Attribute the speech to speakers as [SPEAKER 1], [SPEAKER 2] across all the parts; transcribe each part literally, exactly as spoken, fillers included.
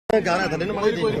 [SPEAKER 1] ਗਾ ਰਿਹਾ ਥੱਲੇ ਨੂੰ ਮਾੜੀ ਜੀ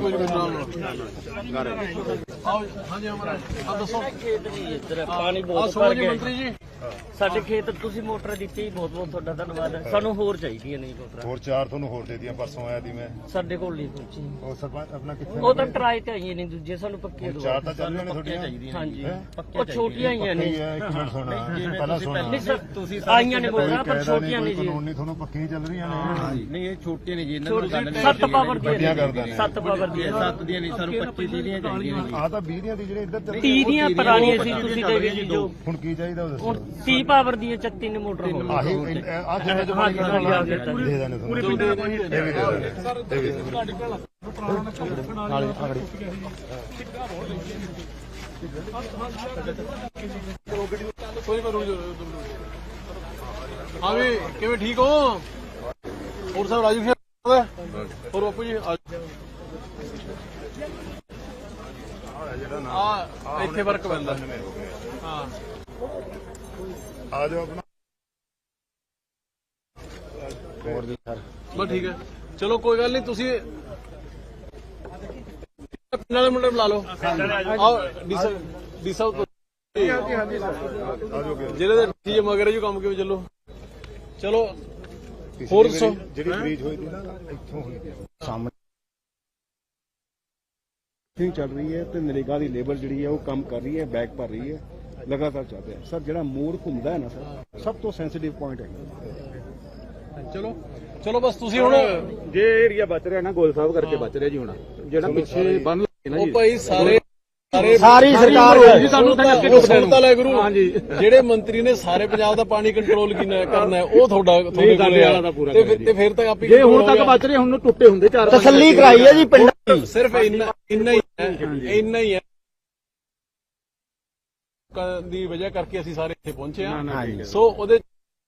[SPEAKER 2] ਆਓ ਹਾਂਜੀ ਹਮਾਰਾ ਆਪ ਦੱਸੋ
[SPEAKER 3] ਖੇਤ ਨਹੀਂ ਇੱਧਰ ਪਾਣੀ ਬਹੁਤ ਭਰ
[SPEAKER 2] ਸੋਨੀ
[SPEAKER 3] ਗਿਆ
[SPEAKER 2] ਮੰਤਰੀ ਜੀ
[SPEAKER 3] ਸਾਡੇ ਖੇਤ ਤੁਸੀਂ ਮੋਟਰ ਦਿੱਤੀ ਬਹੁਤ ਬਹੁਤ ਤੁਹਾਡਾ ਧੰਨਵਾਦ ਹੈ। ਸਾਨੂੰ ਹੋਰ ਚਾਹੀਦੀਆਂ ਨਹੀਂ ਮੋਟਰਾਂ
[SPEAKER 1] ਹੋਰ ਚਾਰ ਤੁਹਾਨੂੰ ਹੋਰ ਦੇ ਦੀਆਂ ਪਰਸੋਂ ਆਇਆ ਦੀ ਮੈਂ
[SPEAKER 3] ਸਾਡੇ ਕੋਲ ਨਹੀਂ ਪਹੁੰਚੀ
[SPEAKER 1] ਉਹ ਸਰਪੰਚ ਆਪਣਾ ਕਿੱਥੇ
[SPEAKER 3] ਉਹ ਤਾਂ ਟਰਾਈ ਤੇ ਆਈਆਂ ਨਹੀਂ ਦੂਜੇ ਸਾਨੂੰ ਪੱਕੀਆਂ ਦਵਾ
[SPEAKER 1] ਚਾਰ ਤਾਂ ਚੱਲ ਰਹੀਆਂ ਨੇ ਤੁਹਾਡੀਆਂ
[SPEAKER 3] ਹਾਂਜੀ ਉਹ ਛੋਟੀਆਂ ਆਈਆਂ ਨੇ
[SPEAKER 1] ਇੱਕ ਮਿੰਟ ਸੁਣਾ ਪਹਿਲਾਂ ਸੁਣਾ
[SPEAKER 3] ਨਹੀਂ ਸਰ ਤੁਸੀਂ ਆਈਆਂ ਨੇ ਮੋਟਰਾਂ ਪਰ ਛੋਟੀਆਂ ਨਹੀਂ ਜੀ
[SPEAKER 1] ਕਾਨੂੰਨੀ ਤੁਹਾਨੂੰ ਪੱਕੀਆਂ ਚੱਲ ਰਹੀਆਂ ਨੇ
[SPEAKER 4] ਨਹੀਂ ਇਹ ਛੋਟੀਆਂ ਨੇ ਜੀ ਇਹਨਾਂ ਨੂੰ ਗੱਲ ਨਹੀਂ
[SPEAKER 3] ਸੱਤ ਪਾਵਰ
[SPEAKER 1] ਵੱਡੀਆਂ
[SPEAKER 3] ਦੀਆਂ
[SPEAKER 1] ਕਰਦਾ ਨੇ
[SPEAKER 3] ਸੱਤ ਪਾਵਰ ਦੀਆਂ
[SPEAKER 4] ਸੱਤ ਦੀਆਂ ਨਹੀਂ ਸਾਨੂੰ ਪੱਚੀ ਤੀਹ ਦੀਆਂ ਚਾਹੀਦੀਆਂ ਨੇ
[SPEAKER 1] ਆ ਤਾਂ ਵੀਹ ਦੀਆਂ ਦੀ ਜਿਹੜੇ ਇੱਧਰ ਚੱਲ
[SPEAKER 3] ਤੀਹ ਦੀਆਂ ਪੁਰਾਣੀਆਂ ਸੀ ਤੁਸੀਂ ਦੇ ਗਏ ਜੀ ਜੋ
[SPEAKER 1] ਹੁਣ ਕੀ ਚਾਹੀਦਾ ਉਹ ਦੱਸੋ
[SPEAKER 3] ਹੁਣ ਤੀਹ ਪਾਵਰ ਦੀਆਂ ਚੱਤੀ ਨੇ ਮੋਟਰ ਹੋ
[SPEAKER 1] ਆਹੀ ਆ ਜਿਹੜੇ ਜਮਾਨੇ ਦੇ ਨਾਲ ਦੇ ਦੇਣੇ ਤੁਹਾਨੂੰ ਇਹ ਵੀ ਦੇ ਦੇਣੇ ਇਹ ਵੀ ਦੇ ਦੇਣੇ ਨਾਲੇ ਆਗੜੀ
[SPEAKER 2] ਕੋਈ ਮੈਂ ਰੁਕ ਜਾ ਹਾਂ ਵੀ ਕਿਵੇਂ ਠੀਕ ਹੋ ਹੋਰ ਸਾਹਿਬ ਰਾਜੂ ਜੀ ਹੋਰ ਬਾਪੂ ਜੀ ਆ ਇੱਥੇ ਵਰਕ ਪੈਂਦਾ ਹਾਂ
[SPEAKER 1] ਆ ਜਾਓ ਆਪਣਾ ਹੋਰ ਜੀ ਸਰ
[SPEAKER 2] ਬਸ ਠੀਕ ਹੈ ਚਲੋ ਕੋਈ ਗੱਲ ਨਹੀਂ ਤੁਸੀਂ ਪਿੰਡ ਵਾਲੇ ਮੁੰਡੇ ਬੁਲਾ ਲਓ ਆਓ ਡੀ ਸਾਹਿਬ ਡੀ ਸਾਹਿਬ ਜਿਹੜੇ ਦੇ ਠੀਕ ਮਗਰ ਜੀ ਕੰਮ ਕਿਵੇਂ ਚੱਲੋ ਚਲੋ ਹੋਰ ਦੱਸੋ
[SPEAKER 1] ਜਿਹੜੀ ਬ੍ਰੀਜ ਹੋਈ ਸੀ ਨਾ ਇੱਥੋਂ ਹੋਈ ਸਾਹਮਣੇ
[SPEAKER 5] ਚੱਲ ਰਹੀ ਹੈ ਤੇ ਨਰੇਗਾ ਦੀ ਲੇਬਰ ਜਿਹੜੀ ਹੈ ਉਹ ਕੰਮ ਕਰ ਰਹੀ ਹੈ ਬੈਕ ਭਰ ਰਹੀ ਹੈ ਲਗਾਤਾਰ ਚੱਲ ਰਿਹਾ ਸਰ ਜਿਹੜਾ ਮੋੜ ਘੁੰਮਦਾ ਹੈ ਨਾ ਸਰ ਸਭ ਤੋਂ ਸੈਂਸਿਟਿਵ ਪੁਆਇੰਟ ਹੈ
[SPEAKER 2] ਚਲੋ ਚਲੋ ਬਸ ਤੁਸੀਂ ਹੁਣ
[SPEAKER 5] ਜੇ ਏਰੀਆ ਬਚ ਰਿਹਾ ਨਾ ਗੋਲ ਸਾਹਿਬ ਕਰਕੇ ਬਚ ਰਿਹਾ ਜੀ ਹੁਣ ਜਿਹੜਾ ਪਿੱਛੇ ਬੰਨ ਲੱਗੇ ਨਾ
[SPEAKER 2] ਉਹ
[SPEAKER 5] ਜੀ
[SPEAKER 2] ਭਾਈ ਸਾਰੇ ਸਾਰੇ
[SPEAKER 5] ਸਾਰੀ ਸਰਕਾਰ
[SPEAKER 2] ਜੀ ਸਾਨੂੰ ਸੁਣਤਾ ਲੈ ਗੁਰੂ ਹਾਂਜੀ ਜਿਹੜੇ ਮੰਤਰੀ ਨੇ ਸਾਰੇ ਪੰਜਾਬ ਦਾ ਪਾਣੀ ਕੰਟਰੋਲ ਕਰਨਾ ਹੈ ਉਹ ਤੁਹਾਡਾ ਤੁਹਾਡੇ ਕੋਲ
[SPEAKER 5] ਵਾਲਾ ਦਾ ਪੂਰਾ
[SPEAKER 2] ਤੇ ਫਿਰ- ਤੇ ਫਿਰ ਤੱਕ ਆਪੀ
[SPEAKER 5] ਜੇ ਹੁਣ ਤੱਕ ਬਚ ਰਹੇ ਹੁਣ ਨੂੰ ਟੁੱਟੇ ਹੁੰਦੇ ਚਾਰ
[SPEAKER 6] ਤਸੱਲੀ ਕਰਾਈ ਹੈ ਜੀ ਪਿੰਡ
[SPEAKER 2] ਸਿਰਫ ਇੰਨਾ ਇੰਨਾ ਹੀ ਹੈ ਇੰਨਾ ਹੀ ਹੈ ਕ- ਦੀ ਵਜ੍ਹਾ ਕਰਕੇ ਅਸੀਂ ਸਾਰੇ ਇੱਥੇ ਪਹੁੰਚੇ ਹਾਂ ਸੋ ਉਹਦੇ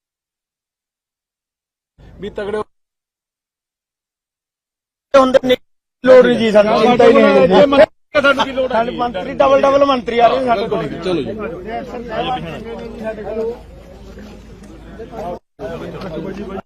[SPEAKER 2] ਵੀ ਤਗੜੇ
[SPEAKER 6] ਹੁੰਦੇ ਨਹੀਂ ਲੋੜ ਨਹੀਂ ਜੀ ਸਾਨੂੰ ਚਿੰਤਾ ਹੀ ਨਹੀਂ ਸਾਡੇ ਮੰਤਰੀ ਡਬਲ ਡਬਲ ਮੰਤਰੀ ਆ ਰਹੇ ਸਾਡੇ ਕੋਲ
[SPEAKER 2] ਚਲੋ ਜੀ